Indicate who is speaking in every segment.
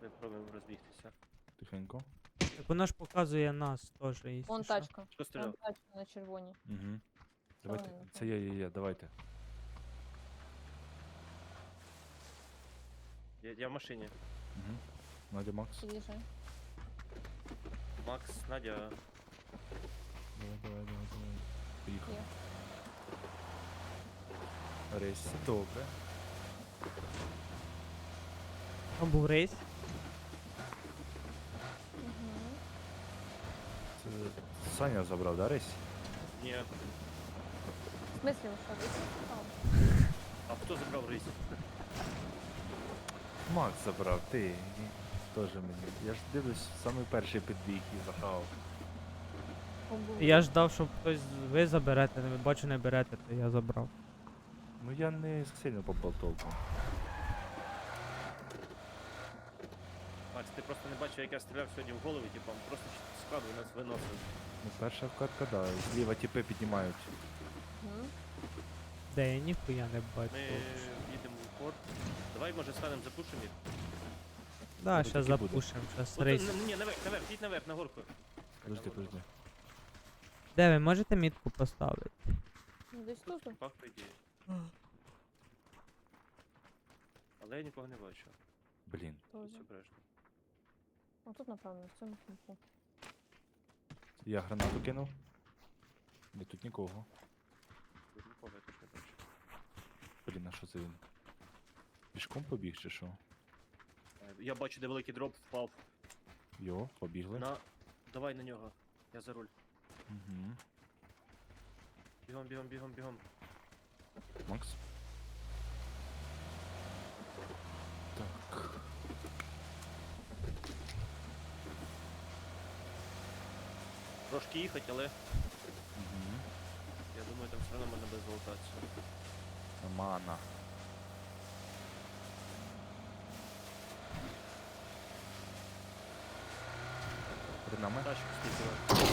Speaker 1: ми пробуємо розбігтися.
Speaker 2: Тихенько.
Speaker 3: Так вона ж показує нас теж, якщо
Speaker 4: Вон
Speaker 3: що.
Speaker 4: тачка.
Speaker 1: Хто стріляв?
Speaker 4: Вон тачка на червоній.
Speaker 2: Угу.
Speaker 4: Це
Speaker 2: Давайте.
Speaker 4: вони,
Speaker 2: Це є, давайте.
Speaker 1: Я в машині.
Speaker 2: Угу. Надя, Макс.
Speaker 4: Під'їжджай.
Speaker 1: Макс, Надя.
Speaker 2: Давай. Поїхали.
Speaker 4: Є.
Speaker 2: Рейс, добре.
Speaker 3: Там був рейс.
Speaker 4: Угу.
Speaker 2: Це Саня забрав, да, рейс?
Speaker 1: Ні.
Speaker 4: В смислі, ви що, десь там?
Speaker 1: А хто забрав рейс?
Speaker 2: Макс забрав, ти. Теж мені. Я ж дивлюсь, самий перший підбіг і захавав.
Speaker 3: Я ждав, щоб хтось ви заберете, не бачу не берете, то я забрав.
Speaker 2: Ну я не сильно попав толком.
Speaker 1: Макс, ти просто не бачив, як я стріляв сьогодні в голову, типу, просто складу нас виносив.
Speaker 2: Ну перша вкатка, да. Зліва тіпи піднімають.
Speaker 4: Угу.
Speaker 3: Де я ніхуя не бачу.
Speaker 1: Ми їдемо в порт. Давай, може, станемо, запушимо їх.
Speaker 3: Да,
Speaker 2: Ну,
Speaker 3: щас
Speaker 2: таки буде.
Speaker 3: запушимо, щас
Speaker 1: От,
Speaker 3: рейс.
Speaker 1: ні, наверх, їдь наверх, на горку.
Speaker 2: Подожди.
Speaker 3: Де ви можете мітку поставити?
Speaker 4: Ну, десь тут.
Speaker 1: Пах, по ідеї. Але я нікого не бачу.
Speaker 2: Блін.
Speaker 4: Тоже.
Speaker 1: Все обережно.
Speaker 4: Ну тут, напевно, в цьому кінці.
Speaker 2: Я гранату кинув. Ні, тут нікого.
Speaker 1: Тут нікого я теж не бачу.
Speaker 2: Блін, а що це він? Пішком побіг чи що?
Speaker 1: Я бачу, де великий дроп впав.
Speaker 2: Йо, побігли.
Speaker 1: Давай на нього. Я за руль.
Speaker 2: Угу.
Speaker 1: Бігом.
Speaker 2: Макс. Так.
Speaker 1: Трошки їхати, але
Speaker 2: Угу.
Speaker 1: я думаю, там все одно можна без золотацію.
Speaker 2: Мана. Перед нами.
Speaker 1: Тачку скільки.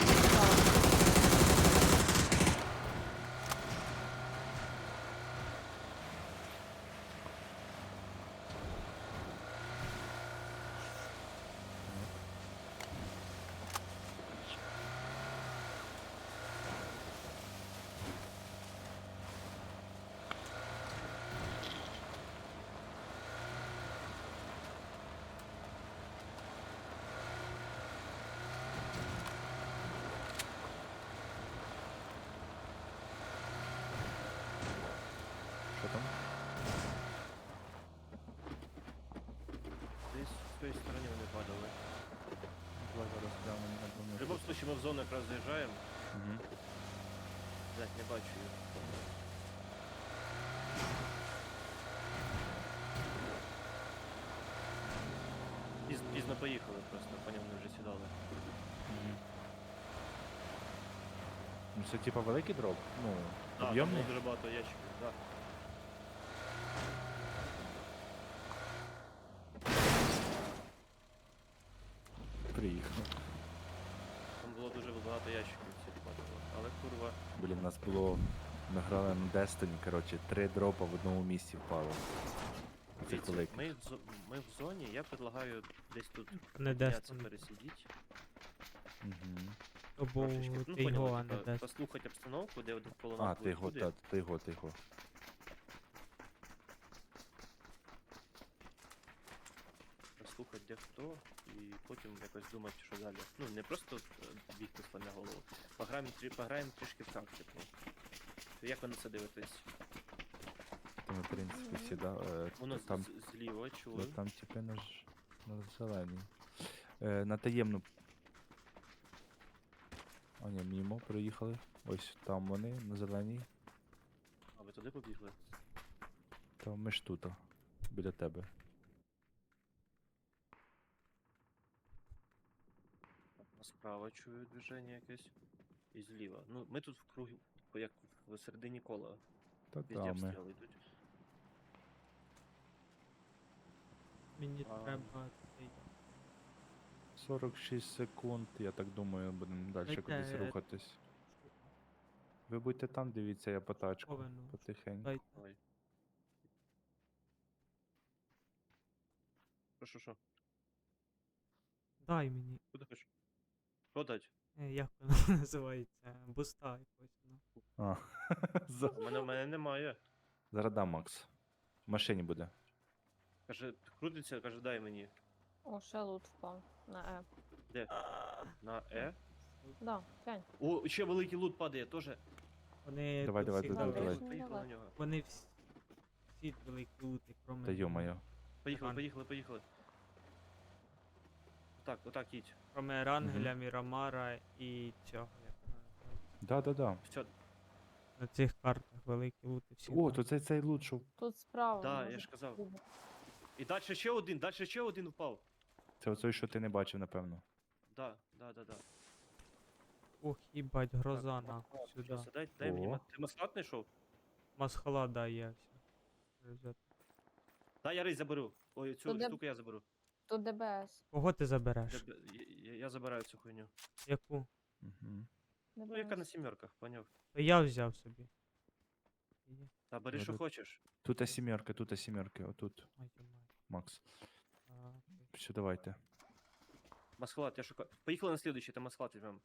Speaker 2: Що там?
Speaker 1: Десь з тої сторони вони падали.
Speaker 2: Давай зараз прямо на
Speaker 1: В будь-якому випадку ми в зону якраз заїжджаємо.
Speaker 2: Угу.
Speaker 1: Блять, не бачу їх. Пізно поїхали просто, по ньому вже сідали.
Speaker 2: Угу. Ну це типа великий дроп? Ну,
Speaker 1: А, там
Speaker 2: об'ємний?
Speaker 1: було дуже багато ящиків, так.
Speaker 2: Приїхав.
Speaker 1: Там було дуже багато ящиків всіх падало. Але курва.
Speaker 2: Блін, у нас було. Ми грали на Destiny, коротше, 3 дропа в одному місці впало. Цих
Speaker 1: Дивіться,
Speaker 2: великих.
Speaker 1: ми в зоні, я предлагаю десь тут
Speaker 3: Не
Speaker 1: піднятися,
Speaker 3: Destiny.
Speaker 1: пересидіти.
Speaker 2: Угу.
Speaker 3: То був
Speaker 1: Трошечки, ну
Speaker 3: ти його,
Speaker 1: поняли,
Speaker 3: а не
Speaker 1: типа,
Speaker 3: десь.
Speaker 1: послухати обстановку, де один коло
Speaker 2: А,
Speaker 1: нас
Speaker 2: ти його,
Speaker 1: буде.
Speaker 2: та, ти його.
Speaker 1: Послухати де хто, і потім якось думати, що далі. Ну, не просто бігти з на голову. Пограємо трішки в тактику. Як ви на це дивитесь?
Speaker 2: Там, в принципі, всі, да.
Speaker 1: Воно
Speaker 2: Там,
Speaker 1: зліва, чули?
Speaker 2: там типи на зеленій. На таємну. А ні, мімо проїхали. Ось там вони, на зеленій.
Speaker 1: А ви туди побігли?
Speaker 2: Та ми ж тут, біля тебе.
Speaker 1: А справа чую движення якесь. І зліва. Ну, ми тут в кругі, як в середині кола.
Speaker 2: Та
Speaker 1: Везде
Speaker 2: там ми.
Speaker 1: обстріли йдуть.
Speaker 3: Мені
Speaker 1: А.
Speaker 3: треба цей.
Speaker 2: 46 секунд, я так думаю, будемо далі
Speaker 3: Дайте,
Speaker 2: кудись рухатись. Ви будьте там, дивіться, я по тачку.
Speaker 3: Повину.
Speaker 2: Потихеньку.
Speaker 3: Дайте.
Speaker 1: Ой. Що?
Speaker 3: Дай мені.
Speaker 1: Куди хочеш? Що дать?
Speaker 3: Як воно називається? Буста якось. Ну.
Speaker 2: А.
Speaker 1: У мене немає.
Speaker 2: Зараз дам, Макс. В машині буде.
Speaker 1: Каже, крутиться, каже, дай мені.
Speaker 4: О, ще лут впав. На Е.
Speaker 1: На Е.
Speaker 4: Да, глянь.
Speaker 1: О, ще великий лут падає, теж.
Speaker 3: Вони
Speaker 2: Давай,
Speaker 3: тут
Speaker 2: давай,
Speaker 3: всі
Speaker 2: давай,
Speaker 3: добрі.
Speaker 2: давай.
Speaker 1: Поїхали на нього.
Speaker 3: Вони всі великі лути, кроме.
Speaker 2: Та йо-моє.
Speaker 1: Поїхали. Отак їдь.
Speaker 3: Кроме Рангеля, Мірамара і цього. Як вона називається.
Speaker 2: Да.
Speaker 1: Все,
Speaker 3: На цих картах великі лути всі.
Speaker 2: О,
Speaker 3: там.
Speaker 2: то цей лут, що...
Speaker 4: Тут справа.
Speaker 1: да,
Speaker 4: може
Speaker 1: я ж казав.
Speaker 4: бути.
Speaker 1: І далі ще один впав.
Speaker 2: Це оцей, що ти не бачив, напевно.
Speaker 1: Да.
Speaker 3: Ох, їбать, гроза
Speaker 1: Так,
Speaker 3: нахуй сюди.
Speaker 1: Щас, дай мені.
Speaker 2: О.
Speaker 1: Ти маслат знайшов?
Speaker 3: Масхала дає все.
Speaker 1: Да, я рейс заберу. Ой, цю
Speaker 4: То де-
Speaker 1: штуку я заберу.
Speaker 4: Тут ДБС.
Speaker 3: Кого ти забереш?
Speaker 1: Я забираю цю хуйню.
Speaker 3: Яку?
Speaker 2: Угу.
Speaker 1: Ну, яка на
Speaker 4: ДБС.
Speaker 1: сімерках, поняв.
Speaker 3: То я взяв собі. Є.
Speaker 1: Та бери,
Speaker 2: Ну,
Speaker 1: що
Speaker 2: тут-
Speaker 1: хочеш.
Speaker 2: Тут сімерки, отут,
Speaker 3: Ай, йо-моє.
Speaker 2: Макс.
Speaker 3: А, окей.
Speaker 2: Все, давайте.
Speaker 1: Масхалат, я шукаю. Поїхали на слідуючий, там масхалат візьмемо.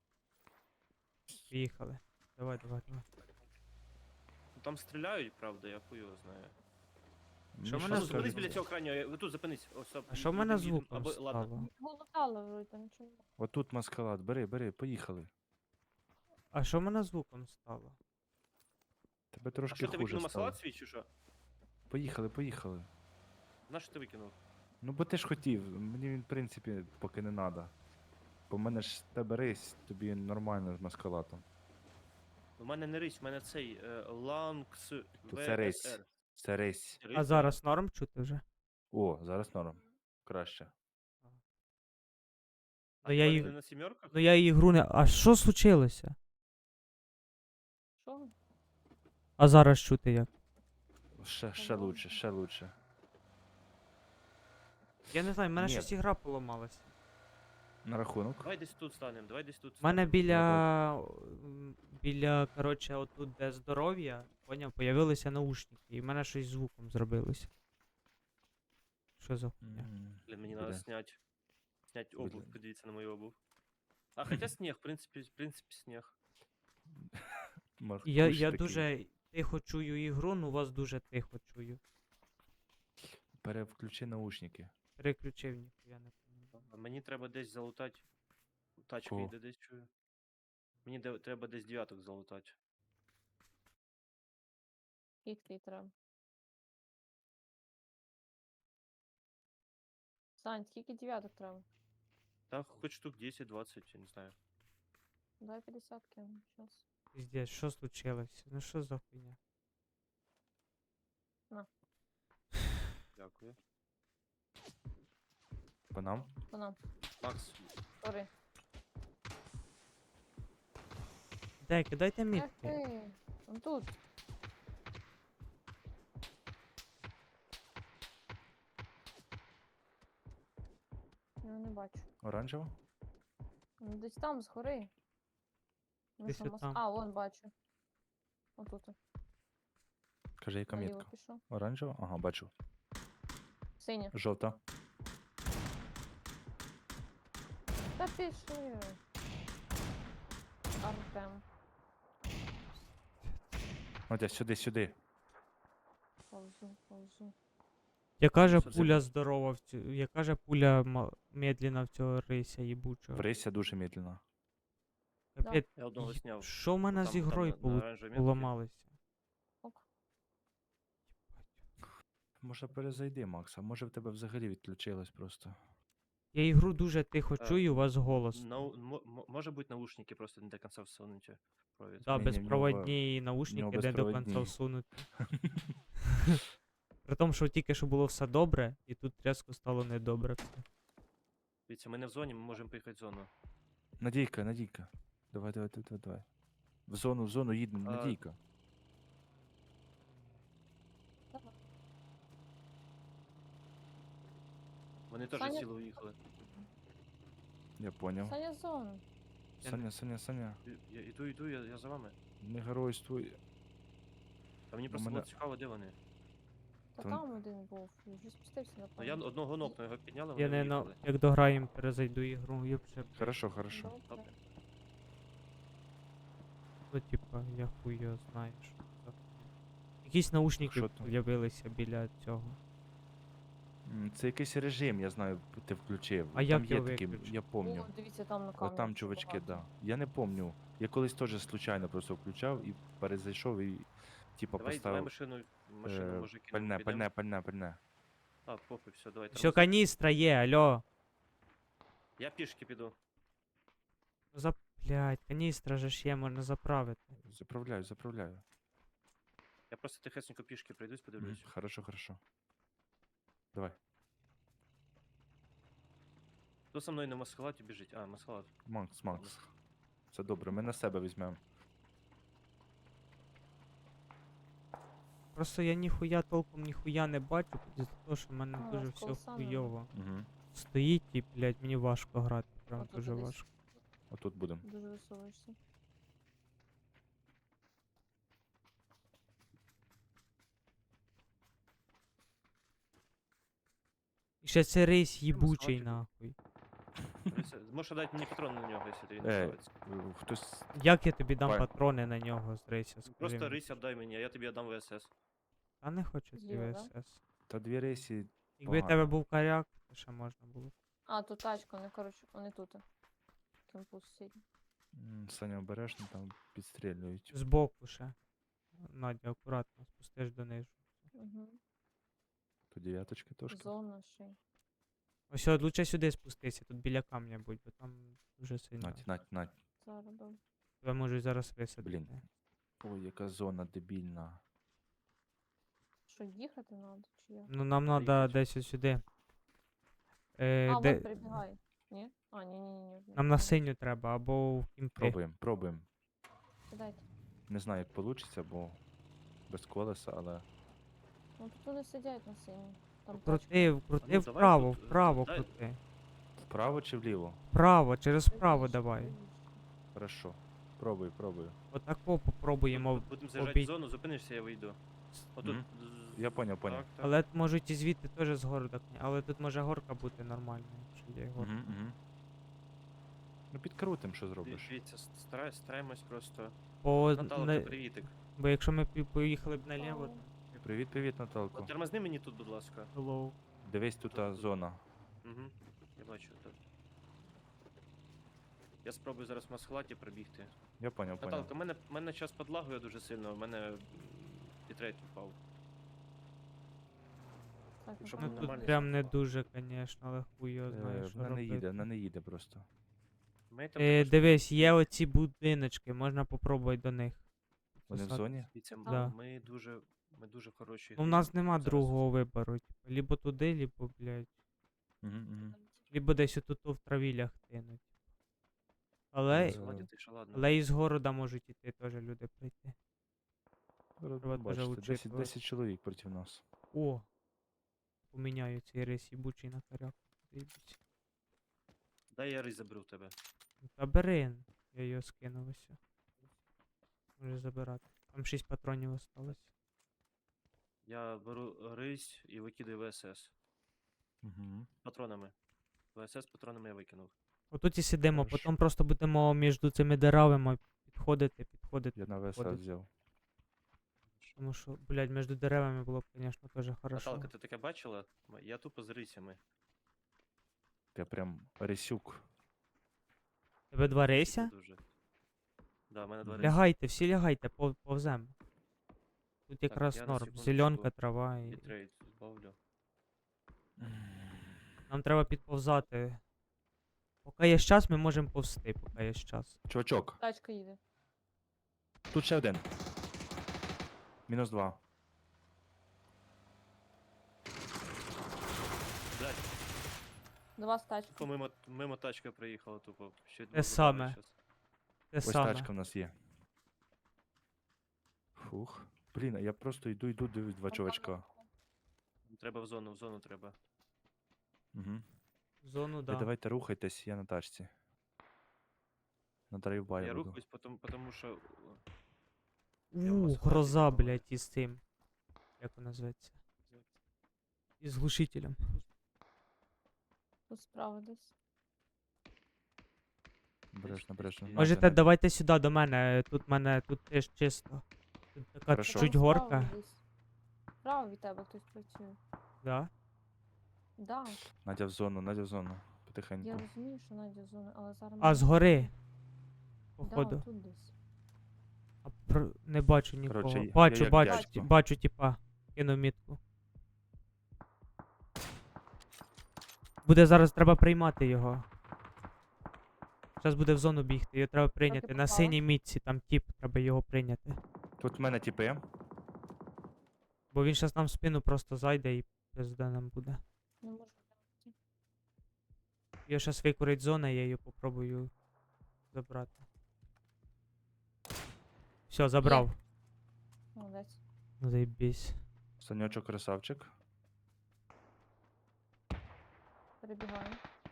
Speaker 3: Поїхали. Давай.
Speaker 1: Ну, там стріляють, правда, я хуй його знаю.
Speaker 3: Що
Speaker 2: Мені
Speaker 3: мене
Speaker 1: Ну,
Speaker 3: Нас
Speaker 1: зупинись
Speaker 3: скажуть.
Speaker 1: біля цього крайнього, тут зупинись. Ось,
Speaker 3: А що в мене звуком
Speaker 1: Або, ладно.
Speaker 3: стало?
Speaker 4: Голотали вроде, нічого.
Speaker 2: Отут маскалад, бери, поїхали.
Speaker 3: А що в мене звуком стало?
Speaker 2: Тебе
Speaker 1: А
Speaker 2: трошки
Speaker 1: що ти
Speaker 2: хуже
Speaker 1: викинув
Speaker 2: стало.
Speaker 1: масхалат свій чи що?
Speaker 2: Поїхали.
Speaker 1: На що ти викинув?
Speaker 2: Ну бо ти ж хотів, мені він, в принципі, поки не треба. Бо в мене ж тебе рейс, тобі нормально з маскалатом.
Speaker 1: У мене не рись, у мене цей Ланкс
Speaker 2: То це рейс.
Speaker 1: ВСР.
Speaker 2: Це рейс.
Speaker 3: А зараз норм чути вже?
Speaker 2: О, зараз норм. Краще.
Speaker 1: А
Speaker 3: я
Speaker 1: я
Speaker 3: їх-
Speaker 1: не на сімерках?
Speaker 3: Ну я ігру не. А що случилося?
Speaker 4: Що?
Speaker 3: А зараз чути як?
Speaker 2: Ще лучше.
Speaker 3: Я не знаю, в мене
Speaker 2: Ні.
Speaker 3: щось ігра поламалася.
Speaker 2: На рахунок.
Speaker 1: Давай десь тут станемо,
Speaker 3: У мене біля, коротше, отут, де здоров'я, поняв, появилися наушники, і в мене щось з звуком зробилося. Що за хуйня?
Speaker 1: Блін, мені
Speaker 2: Буде.
Speaker 1: треба снять обув,
Speaker 2: Буде.
Speaker 1: подивіться на мою обув. А хоча сніг, в принципі сніг.
Speaker 3: Я дуже тихо чую ігру, ну вас дуже тихо чую.
Speaker 2: Перевключи наушники.
Speaker 3: Переключив ніхуя не пам'ятаю.
Speaker 1: А мені треба десь залутати. Тачка
Speaker 2: Кого?
Speaker 1: йде десь чую. Мені треба десь дев'яток залутати.
Speaker 4: Скільки треба? Сань, скільки дев'яток треба?
Speaker 1: Та хоч штук 10-20, я не знаю.
Speaker 4: Давай 50 кину, щас.
Speaker 3: Піздець, що случилось? Ну що за хуйня?
Speaker 1: Дякую.
Speaker 2: По нам?
Speaker 4: Вона,
Speaker 1: Макс,
Speaker 4: сори.
Speaker 3: Де, кидайте
Speaker 4: Ех
Speaker 3: мітки.
Speaker 4: ти, он тут. Я його не бачу.
Speaker 2: Оранжево?
Speaker 4: Ну, десь там, згори. Ну,
Speaker 3: Десь
Speaker 4: що,
Speaker 3: отам.
Speaker 4: А, вон бачу. Отут.
Speaker 2: Каже, яка
Speaker 4: Наліво
Speaker 2: мітка?
Speaker 4: пішов.
Speaker 2: Оранжево? Ага, бачу.
Speaker 4: Синя.
Speaker 2: Жовта.
Speaker 4: Та пішли. Артем.
Speaker 2: Отя, сюди.
Speaker 4: Повзу.
Speaker 3: Яка же
Speaker 2: Що це
Speaker 3: пуля
Speaker 2: було?
Speaker 3: здорова в цю. Яка же пуля медленна в цього рися їбучого.
Speaker 2: Врися дуже медленно.
Speaker 3: Капець,
Speaker 1: я одного
Speaker 3: й-
Speaker 1: сняв.
Speaker 3: що в мене з
Speaker 1: Там
Speaker 3: ігрою
Speaker 1: на оранжевій метці.
Speaker 3: поламалося?
Speaker 4: Ок.
Speaker 2: Може перезайди, Макс, а може в тебе взагалі відключилось просто.
Speaker 3: Я ігру дуже тихо
Speaker 1: Е,
Speaker 3: чую, у вас голос.
Speaker 1: Може бути наушники просто не до кінця всунуті. Провід.
Speaker 3: Да,
Speaker 2: Ні,
Speaker 3: безпроводні наушники не до
Speaker 2: безпроводні.
Speaker 3: кінця всунуті. При тому, що тільки що було все добре, і тут різко стало недобре все.
Speaker 1: Дивіться, ми не в зоні, ми можемо поїхати в зону.
Speaker 2: Надійка. Давай. В зону їдемо,
Speaker 1: А,
Speaker 2: Надійка.
Speaker 4: Давай.
Speaker 1: Вони теж
Speaker 4: Саня-
Speaker 1: сіли уїхали.
Speaker 2: Я поняв.
Speaker 4: Саня зон.
Speaker 2: Саня.
Speaker 1: Я іду, я за вами.
Speaker 2: Не геройствуй.
Speaker 1: А мені
Speaker 2: У
Speaker 1: просто
Speaker 2: мене-
Speaker 1: було цікаво, де вони.
Speaker 4: Та
Speaker 2: То-
Speaker 4: там один був, і вже спустився на
Speaker 1: Ну я одного нокну, його підняли,
Speaker 3: Я
Speaker 1: вони
Speaker 3: не
Speaker 1: виїхали.
Speaker 3: як дограємо, перезайду ігру, я вже
Speaker 2: Хорошо, хорошо.
Speaker 4: Добре.
Speaker 1: Добре.
Speaker 3: ну, типа, я хуй його знаю, що це за хуйня. Якісь наушники
Speaker 2: Що там?
Speaker 3: з'явилися біля цього.
Speaker 2: Це якийсь режим, я знаю, ти включив.
Speaker 3: А
Speaker 2: Там
Speaker 3: як
Speaker 2: є
Speaker 3: його
Speaker 2: такі,
Speaker 3: виключити?
Speaker 2: я помню.
Speaker 4: О, дивіться, там на
Speaker 2: От
Speaker 4: камері.
Speaker 2: там
Speaker 4: ще
Speaker 2: чувачки,
Speaker 4: багато.
Speaker 2: да. Я не помню. Я колись теж случайно просто включав і перезайшов і типа
Speaker 1: Давай
Speaker 2: поставив
Speaker 1: машину може кинемо,
Speaker 2: пальне,
Speaker 1: підемо.
Speaker 2: пальне, пальне, пальне.
Speaker 1: А, похуй, все, давай.
Speaker 3: Все,
Speaker 1: тормози.
Speaker 3: каністра є, алло.
Speaker 1: Я пішки піду.
Speaker 3: Ну блядь, каністра же ж є, можна заправити.
Speaker 2: Заправляю, заправляю.
Speaker 1: Я просто тихесенько пішки пройдусь,
Speaker 2: Мгм,
Speaker 1: подивлюсь.
Speaker 2: Хорошо, хорошо. Давай.
Speaker 1: Хто со мною на маскалаті біжить? А, маскалат.
Speaker 2: Макс, Макс. Це добре, ми на себе візьмемо.
Speaker 3: Просто я ніхуя толком ніхуя не бачу, за те, що в мене
Speaker 4: Ну,
Speaker 3: дуже
Speaker 4: з
Speaker 3: все
Speaker 4: колесами.
Speaker 3: хуйово.
Speaker 2: Угу.
Speaker 3: Стоїть і, блядь, мені важко грати. Прям
Speaker 4: Отут
Speaker 3: дуже
Speaker 4: десь.
Speaker 3: важко.
Speaker 2: Отут будемо.
Speaker 4: Дуже висовуєшся.
Speaker 3: І ще цей рейс їбучий,
Speaker 1: схватив.
Speaker 3: нахуй.
Speaker 1: Можеш дати мені патрон на нього, якщо тобі не
Speaker 2: Е,
Speaker 1: нравиться.
Speaker 2: Хтось.
Speaker 3: Як я тобі дам
Speaker 2: Пай.
Speaker 3: патрони на нього з рейса? Скажи
Speaker 1: Просто
Speaker 3: мені?
Speaker 1: рись віддай мені, а я тобі віддам ВСС.
Speaker 3: Та не хочу ці
Speaker 4: Зліва, да?
Speaker 3: ВСС.
Speaker 2: Та дві рейсі.
Speaker 3: Якби в тебе
Speaker 2: Погано.
Speaker 3: був коряк, то ще можна було.
Speaker 4: А, тут тачка, вони, коротше, вони тут. Кемпус сидять.
Speaker 2: Саня обережно там підстрілюють.
Speaker 3: Збоку ще. Надя, акуратно, спустиш донизу.
Speaker 4: Угу.
Speaker 2: То дев'яточки трошки.
Speaker 4: Зона ще. й.
Speaker 3: Ось от лучше сюди спустися, тут біля камня будь, бо там дуже сильно.
Speaker 2: Нать.
Speaker 4: Зараз добре.
Speaker 3: Тебе можуть зараз висадити.
Speaker 2: Блін. Ой, яка зона дебільна.
Speaker 4: Що, їхати треба, чи як?
Speaker 3: Ну нам
Speaker 1: Поїхать.
Speaker 3: треба десь ось сюди.
Speaker 4: А,
Speaker 3: Де...
Speaker 4: вон перебігай. Ні? А, ні.
Speaker 3: Нам на синю треба, або в кімпи.
Speaker 2: Пробуємо.
Speaker 4: Кидайте.
Speaker 2: Не знаю, як вийде, бо без колеса, але.
Speaker 4: Ну тут вони сидять на синій. Там тачка.
Speaker 3: Крути
Speaker 1: ну, давай
Speaker 3: вправо,
Speaker 1: тут,
Speaker 3: вправо
Speaker 1: дай-
Speaker 3: крути.
Speaker 2: Вправо чи вліво?
Speaker 3: Вправо, через вправо
Speaker 4: Правіше,
Speaker 3: давай.
Speaker 4: правіше.
Speaker 2: Хорошо. Пробую.
Speaker 3: Отако попробуємо.
Speaker 1: Будемо заїжджати
Speaker 3: обій-
Speaker 1: в зону, зупинишся, я вийду. Отут.
Speaker 2: Мгм. Я поняв.
Speaker 1: Так, так.
Speaker 3: Але можуть і звідти теж з гори так. Але тут може горка бути нормальна, якщо є горка.
Speaker 2: Угу. Ну підкрутим, що зробиш.
Speaker 1: Дивіться, стараємось просто.
Speaker 3: Бо,
Speaker 1: Наталка, привітик.
Speaker 3: бо якщо ми поїхали б наліво,
Speaker 4: Ау.
Speaker 3: то
Speaker 2: Привіт, Наталко.
Speaker 1: От тормозни мені тут, будь ласка.
Speaker 3: hello.
Speaker 2: Дивись, тут та зона.
Speaker 1: Угу. Я бачу тут. Я спробую зараз в масхлаті пробігти.
Speaker 2: Я поняв.
Speaker 1: Наталка, мене час подлагує дуже сильно, в мене бітрейт впав.
Speaker 4: Так,
Speaker 1: Щоб
Speaker 3: Ну
Speaker 1: був
Speaker 3: тут
Speaker 1: нормальний
Speaker 3: прям не
Speaker 1: звук.
Speaker 3: дуже, звісно, але хуй його знає, що
Speaker 2: Вона не їде,
Speaker 3: робити.
Speaker 2: вона не їде просто.
Speaker 1: Ми там також-
Speaker 3: Дивись, є оці будиночки, можна попробувати до них.
Speaker 2: Вони в
Speaker 3: Посад-
Speaker 2: зоні?
Speaker 1: Дивіться,
Speaker 3: Да.
Speaker 1: ми дуже хороші.
Speaker 3: Ну, у нас нема
Speaker 1: зараз.
Speaker 3: другого вибору. Типу, либо туди, либо, блядь.
Speaker 2: Угу.
Speaker 3: Либо десь отут в траві лягти, ну. Але,
Speaker 2: Е,
Speaker 1: Масхлаті ти що, ладно.
Speaker 3: але із города можуть іти теж люди прийти.
Speaker 2: Треба
Speaker 3: теж
Speaker 2: бачити, 10,
Speaker 3: учитувати.
Speaker 2: 10 чоловік проти нас.
Speaker 3: О! Поміняю цей рейс їбучий на коряк. Заєбісь.
Speaker 1: Дай я рись заберу в тебе.
Speaker 3: Та бери, я його скинув ось. Може забирати. Там 6 патронів осталось.
Speaker 1: Я беру рись і викидаю ВСС.
Speaker 2: Угу.
Speaker 1: Патронами. ВСС патронами я викинув.
Speaker 3: Отут і сидимо,
Speaker 2: Хорошо.
Speaker 3: потім просто будемо між цими деревами підходити.
Speaker 2: Я на ВСА
Speaker 3: Ходить.
Speaker 2: взяв.
Speaker 3: Тому що, блядь, між деревами було б, звісно, теж хорошо.
Speaker 1: Наталка, ти таке бачила? Я тупо з рисями.
Speaker 2: Я прям рисюк.
Speaker 3: Тебе два
Speaker 1: Це
Speaker 3: рейся?
Speaker 1: дуже. Да, в мене два
Speaker 2: Мгм.
Speaker 1: рейси.
Speaker 3: Лягайте, всі лягайте, повзем. Тут якраз
Speaker 1: я на
Speaker 3: норм.
Speaker 1: секундочку
Speaker 3: Зеленка, трава і.
Speaker 1: Бітрейт збавлю.
Speaker 3: Нам треба підповзати. Поки є час, ми можемо повзти, поки є час.
Speaker 2: Чувачок,
Speaker 4: Тачка їде.
Speaker 2: тут ще один. -2.
Speaker 1: Блядь,
Speaker 4: До вас тачка.
Speaker 1: тупо мимо тачка проїхала, тупо. Ще
Speaker 3: Те саме. Те
Speaker 2: Ось
Speaker 3: саме.
Speaker 2: тачка в нас є. Фух. Блін, а я просто йду, дивлюсь два чувачка.
Speaker 1: Треба в зону треба.
Speaker 2: Угу.
Speaker 3: Зону,
Speaker 2: Ви
Speaker 3: да.
Speaker 2: давайте рухайтесь, я на тачці. На драйвбай
Speaker 1: Я
Speaker 2: буду.
Speaker 1: рухаюсь, потому що... я в Москві
Speaker 3: Гроза,
Speaker 1: попробую.
Speaker 3: блядь, із цим. Як вона називається? із глушителем.
Speaker 4: Тут справа десь.
Speaker 2: Обережно, обережно.
Speaker 1: Можете
Speaker 3: Можете,
Speaker 2: Надя.
Speaker 3: давайте сюди до мене. Тут мене тут теж чисто. Тут така
Speaker 2: Хорошо.
Speaker 3: чуть-чуть
Speaker 4: Там справа
Speaker 3: горка.
Speaker 4: десь. Справа від тебе хтось працює.
Speaker 3: Да.
Speaker 4: Да,
Speaker 2: Надя в зону, Надя в зону.
Speaker 4: я
Speaker 2: Потихеньку.
Speaker 4: розумію, що Надя зона, але зараз.
Speaker 3: А,
Speaker 4: ми-
Speaker 3: згори.
Speaker 4: Да,
Speaker 3: Походу.
Speaker 4: тут десь.
Speaker 3: А не бачу нікого.
Speaker 2: Коротше, я
Speaker 3: Бачу,
Speaker 2: як
Speaker 3: бачу,
Speaker 2: дядько.
Speaker 3: бачу, типа. Кину мітку. Буде зараз треба приймати його. Зараз буде в зону бігти, його треба прийняти. На
Speaker 4: попала?
Speaker 3: синій мітці, там тип, треба його прийняти.
Speaker 2: Тут в мене тіпи.
Speaker 3: Бо він зараз нам в спину просто зайде і пизда нам буде.
Speaker 4: Не можу.
Speaker 3: Його зараз викурить зона, я її попробую забрати. Все, забрав.
Speaker 4: Молодець.
Speaker 3: Ну заєбісь.
Speaker 2: Санечок красавчик.
Speaker 4: Перебігаю.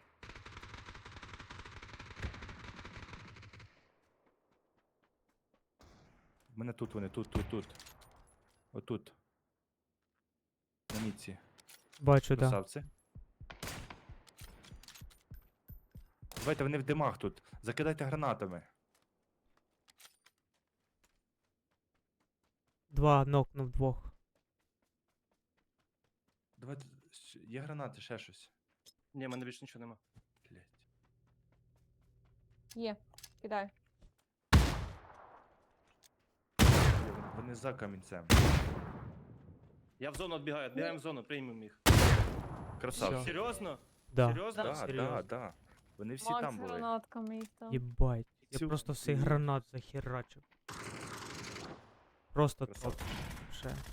Speaker 2: В мене тут вони, тут. Отут. На мітці.
Speaker 3: Бачу, да.
Speaker 2: Красавці. Давайте вони в димах тут. Закидайте гранатами.
Speaker 3: Два нокнув двох.
Speaker 2: Давайте. Є гранати, ще щось.
Speaker 1: Ні, в мене більше нічого нема.
Speaker 2: Блять.
Speaker 4: Є. Кидай.
Speaker 2: Вони за камінцем.
Speaker 1: Я в зону відбігаю, відбігаємо в зону, приймемо їх.
Speaker 2: Красавці.
Speaker 1: Серйозно?
Speaker 3: Да.
Speaker 1: Серйозно?
Speaker 2: Да,
Speaker 3: Серйозно.
Speaker 2: да. Вони всі
Speaker 4: Макс
Speaker 2: там були.
Speaker 4: гранатками їх там.
Speaker 3: Єбать. Я
Speaker 2: Цю-
Speaker 3: просто всіх гранат захерачив. Просто топ.
Speaker 2: Красавці.
Speaker 3: Ще.